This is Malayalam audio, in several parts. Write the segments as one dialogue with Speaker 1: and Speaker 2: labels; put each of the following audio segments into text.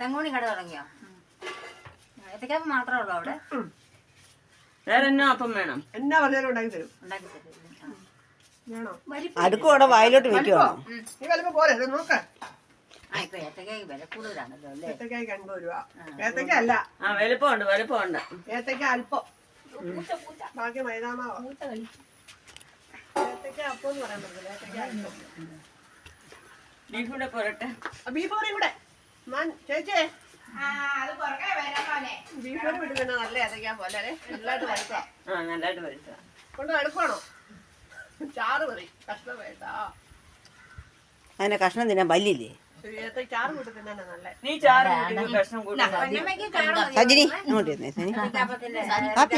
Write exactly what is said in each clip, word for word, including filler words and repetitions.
Speaker 1: തെങ്ങോണി കട തുടങ്ങിയോ? ഏത്തക്കാപ്പ് മാത്രമേ ഉള്ളൂ അവിടെ?
Speaker 2: വേറെ എന്നാ അപ്പം വേണം?
Speaker 3: എന്നാ പറഞ്ഞാലും ഉണ്ടാക്കി തരും.
Speaker 1: ഉണ്ടാക്കി തരും.
Speaker 4: അടുക്കോടെ വായിലോട്ട് വെക്കുവാണോ?
Speaker 3: ഈ വലിപ്പം പോലെ നോക്ക.
Speaker 1: ആ ഇപ്പൊ ഏത്തക്കായ്ക്ക് വില കൂടുതലാണല്ലോ അല്ലേ?
Speaker 3: ഏത്തക്കായ്ക്ക് അൻപത് രൂപ. ഏത്തക്ക അല്ല.
Speaker 2: ആ വലുപ്പമുണ്ട് വലുപ്പമുണ്ട്.
Speaker 3: ഏത്തക്ക അല്പം. ബാക്കി മൈദാമാവാ. ഏത്തക്ക അപ്പം എന്ന് പറയാൻ പറ്റില്ല. ഏത്തക്ക അല്പം.
Speaker 2: ബീഫ് കൂടെ പോരട്ടെ.
Speaker 3: ബീഫ് കറി കൂടെ. മാൻ ചേച്ചേ ബീഫ് കറി വിടുന്ന നല്ല ഏത്തക്ക പോലെ നല്ലതായിട്ട് വറുക്കാം.
Speaker 2: ആ നല്ലതായിട്ട് വറുക്കാം.
Speaker 3: കൊണ്ട് എടുക്കണോ? ചാറ് മതി. കഷ്ണം വേണ്ട.
Speaker 4: അതിനെ കഷ്ണം തിന്നാൻ പല്ലില്ലേ?
Speaker 3: ചാറ് കൂട്ടി തിന്നാ നല്ല.
Speaker 2: നീ ചാറ് കഷ്ണം കൂട്ടി
Speaker 4: സജിനി ഇങ്ങോട്ട് ഇരുന്നേ. സജിനി കാപ്പി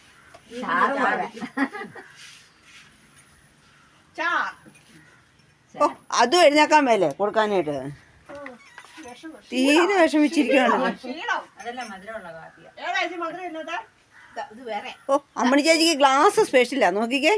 Speaker 4: ഓ അതും എഴുന്നേക്കാൻ മേലേ കൊടുക്കാനായിട്ട് തീരെ വിഷമിച്ചിരിക്കുകയാണ്. ഓ അമ്മണി ചേച്ചിക്ക് ഗ്ലാസ് സ്പെഷ്യലാ നോക്കിക്കേ.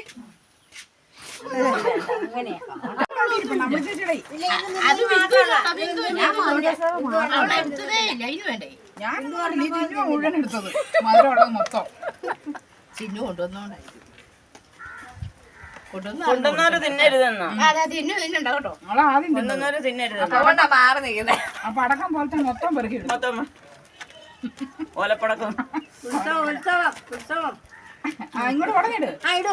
Speaker 2: കൊണ്ടുവന്നവര് തിന്നരുതെന്നോ? കൊണ്ടുവന്നവര് തിന്നരുത്.
Speaker 5: അപ്പൊ അടക്കം പോലത്തെ മൊത്തം പെറുക്കി
Speaker 2: മൊത്തം ഓലപ്പടക്കം.
Speaker 5: ഇങ്ങോട്ട് ഉടനിട്.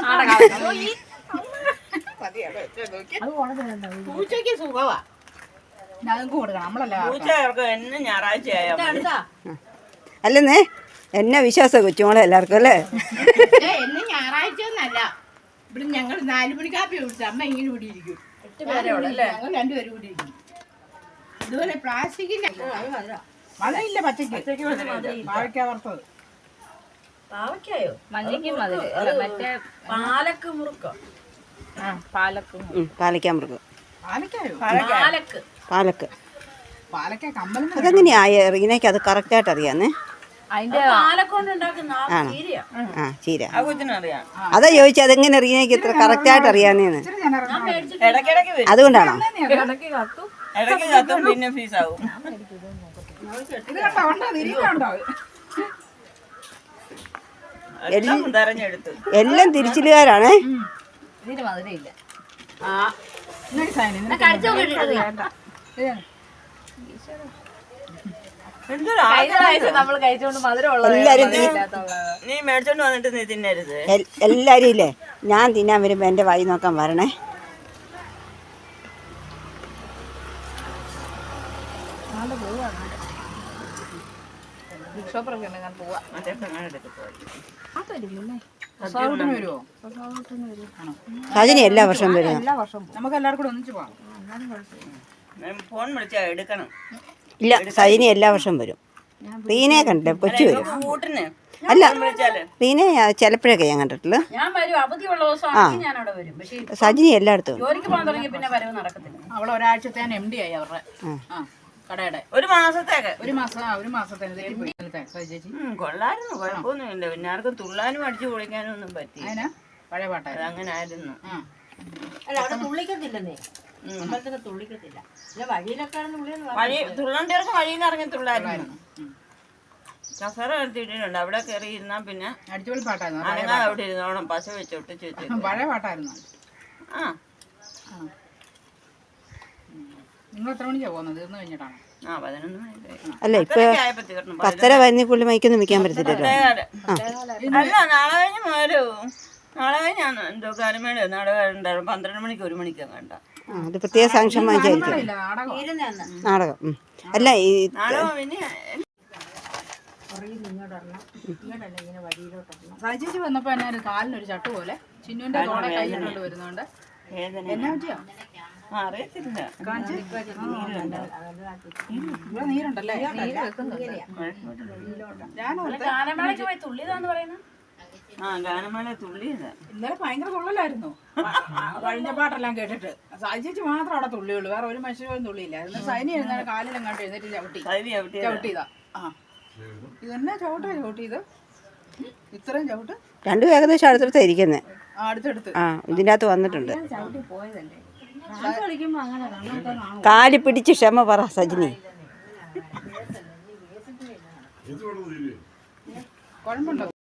Speaker 3: പൂച്ചയ്ക്ക് സുഖവാ.
Speaker 5: ഞങ്ങൾക്ക് കൊടുക്കണം. നമ്മളല്ല
Speaker 2: പൂച്ചകൾക്ക് എന്നും ഞായറാഴ്ചയായോ?
Speaker 4: അല്ലെന്നേ എന്നാ വിശ്വാസം കൊച്ചുമോളെ എല്ലാവർക്കും അല്ലേ?
Speaker 3: എന്നെ ഞായറാഴ്ച ഒന്നല്ല. ഇവിടെ ഞങ്ങൾ നാലു മണി കാപ്പി കുടിച്ചു. അമ്മ ഇങ്ങനെ ഇവിടെ ഇരിക്കും. ഞങ്ങൾ രണ്ടുപേരും കൂടി ഇരിക്കും. ഇതുപോലെ പ്ലാസ്റ്റിക്കിന്റെ
Speaker 5: മഴയില്ല. പച്ചക്ക് പാവയ്ക്ക വറുത്തത്.
Speaker 1: പാവയ്ക്കായോ? മഞ്ഞയ്ക്ക് മധുരം മറ്റേ പാലക്ക് മുറുക്കോ? പാലക്ക്
Speaker 4: പാലക്കാ മൃഗം
Speaker 5: പാലക്കായോ?
Speaker 1: പാലക്ക്
Speaker 4: പാലക്ക്
Speaker 5: പാലക്ക കമ്പലം.
Speaker 4: അതെങ്ങനെയാ റീനയ്ക്ക് അത് കറക്റ്റായിട്ട് അറിയാന്നേ?
Speaker 1: അതിന്റെ പാലക്കൊണ്ട് ഉണ്ടാക്കുന്ന
Speaker 4: ആ ചീര.
Speaker 2: ആ കൊച്ചിനറിയാം.
Speaker 4: അതാ ചോദിച്ചത് അതെങ്ങനെ റീനയ്ക്ക് ഇത്ര കറക്റ്റായിട്ട് അറിയാന്നേന്ന്.
Speaker 2: ഇടയ്ക്കിടയ്ക്ക് വരും.
Speaker 4: അതുകൊണ്ടാണോ?
Speaker 2: ഇടയ്ക്ക് കത്തും പിന്നെ ഫീസാവും. എല്ലാം തെരഞ്ഞെടുത്തു.
Speaker 4: എല്ലാം തിരിച്ചിലുകാരാണ്.
Speaker 1: ഇതിന് മധുരമില്ല. നമ്മള് കഴിച്ചോണ്ട് മധുരമുള്ളത്
Speaker 4: എല്ലാരും
Speaker 2: നീ മേടിച്ചോണ്ട് വന്നിട്ട് നീ തിന്നരുത്.
Speaker 4: എല്ലാരും ഇല്ലേ ഞാൻ തിന്നാൻ വരുമ്പോ എന്റെ വായി നോക്കാൻ വരണേ. സജിനി എല്ലാ വർഷവും വരും.
Speaker 5: നമുക്ക് എല്ലാവർക്കും കൂടെ ഒന്നിച്ച് പോവാം.
Speaker 2: ഫോൺ വിളിച്ചാ എടുക്കണം.
Speaker 4: ഇല്ല സജിനി എല്ലാ വർഷവും വരും. റീനയെ കണ്ടില്ലേ കൊച്ചു വരും.
Speaker 2: കൂട്ടിന്
Speaker 4: അല്ല റീനെ ചിലപ്പോഴൊക്കെ ഞാൻ കണ്ടിട്ടുള്ളു. ആ സജിനി എല്ലായിടത്തും
Speaker 5: അവളെ ഒരാഴ്ചത്തെ എം ഡി ആയി അവരുടെ കടയുടെ.
Speaker 2: ഒരു മാസത്തേക്ക്
Speaker 5: ഒരു മാസം ഒരു മാസത്തേക്ക്
Speaker 2: കൊള്ളായിരുന്നു. കുഴപ്പമൊന്നുമില്ല. പിന്നെ ആർക്കും തുള്ളാനും അടിച്ചു പൊളിക്കാനും ഒന്നും പറ്റി.
Speaker 5: പഴയ പാട്ടായിരുന്നു.
Speaker 2: അങ്ങനെ ആയിരുന്നു.
Speaker 1: അല്ല അവിടെ തുള്ളിക്കത്തില്ലെന്നേ. അമ്പലത്തൊക്കെ തുള്ളിക്കത്തില്ല.
Speaker 2: വഴി തുള്ളണ്ടിയർക്ക് വഴിയിൽ നിന്ന് ഇറങ്ങി തുള്ളായിരുന്നു. കസറ എടുത്തിട്ടുണ്ട്. അവിടെ കയറി ഇരുന്നാ പിന്നെ
Speaker 5: അടിച്ചുപൊളി പാട്ടായിരുന്നു.
Speaker 2: അനങ്ങാതെ അവിടെ ഇരുന്നോണം പശ വെച്ചോട്ട് ചേച്ചി.
Speaker 5: പഴയ പാട്ടായിരുന്നു.
Speaker 2: ആ
Speaker 5: നിങ്ങൾ എത്ര മണിക്കാ പോകുന്നത്? തീർന്നു കഴിഞ്ഞിട്ടാണ്.
Speaker 2: ആ പതിനൊന്ന് മണി.
Speaker 4: അല്ല ഇപ്പൊ പത്തര വരുന്നക്കുള്ളിൽ മൈക്കൊന്നും വെക്കാൻ പറ്റത്തില്ലല്ലോ.
Speaker 2: അല്ല നാളെ കഴിഞ്ഞ് വരൂ. നാളെ കഴിഞ്ഞാണ് എന്തോ കാലമേള നാടകം ഉണ്ടായിരുന്നു. പന്ത്രണ്ട് മണിക്ക് ഒരു മണിക്കാ കണ്ട.
Speaker 4: അത് പ്രത്യേക സാങ്ഷൻ വാങ്ങിച്ചായിരിക്കും നാടകം. അല്ല ഈ
Speaker 5: ചേച്ചി വന്നപ്പോ എന്നാ കാലിനൊരു ചട്ടു പോലെ ചിന്നുവിന്റെ തോടെ കൈകൊണ്ട് വരുന്നോണ്ട് എന്നാ പറ്റിയോ
Speaker 2: അറിയത്തില്ല.
Speaker 5: നീരുണ്ടല്ലേ?
Speaker 2: ആ ഗാനമേള തുള്ളിയതാ.
Speaker 5: ഇന്നലെ ഭയങ്കര തുള്ളലായിരുന്നു. കഴിഞ്ഞ പാട്ടെല്ലാം കേട്ടിട്ട് ചേച്ചി മാത്രം അവിടെ തുള്ളിയുള്ളൂ. വേറെ ഒരു മനുഷ്യരും തുള്ളിയില്ല. സൈനി എഴുന്നാണ് കാലിലെങ്ങാണ്ട് എഴുന്നേറ്റ് ചവിട്ടി ചവിട്ടിയതാ. ആ ഇതെന്നാ ചവിട്ടാ ചവിട്ടിയത്? ഇത്രയും ചവിട്ട്
Speaker 4: രണ്ടും ഏകദേശം അടുത്തടുത്താ ഇരിക്കുന്നത്.
Speaker 5: അടുത്തടുത്ത്
Speaker 4: ആ ഇതിൻ്റെ അകത്ത് വന്നിട്ടുണ്ട്. കാല് പിടിച്ച് ക്ഷമ പറ സജിനി.
Speaker 5: കുഴമ്പുണ്ടോ?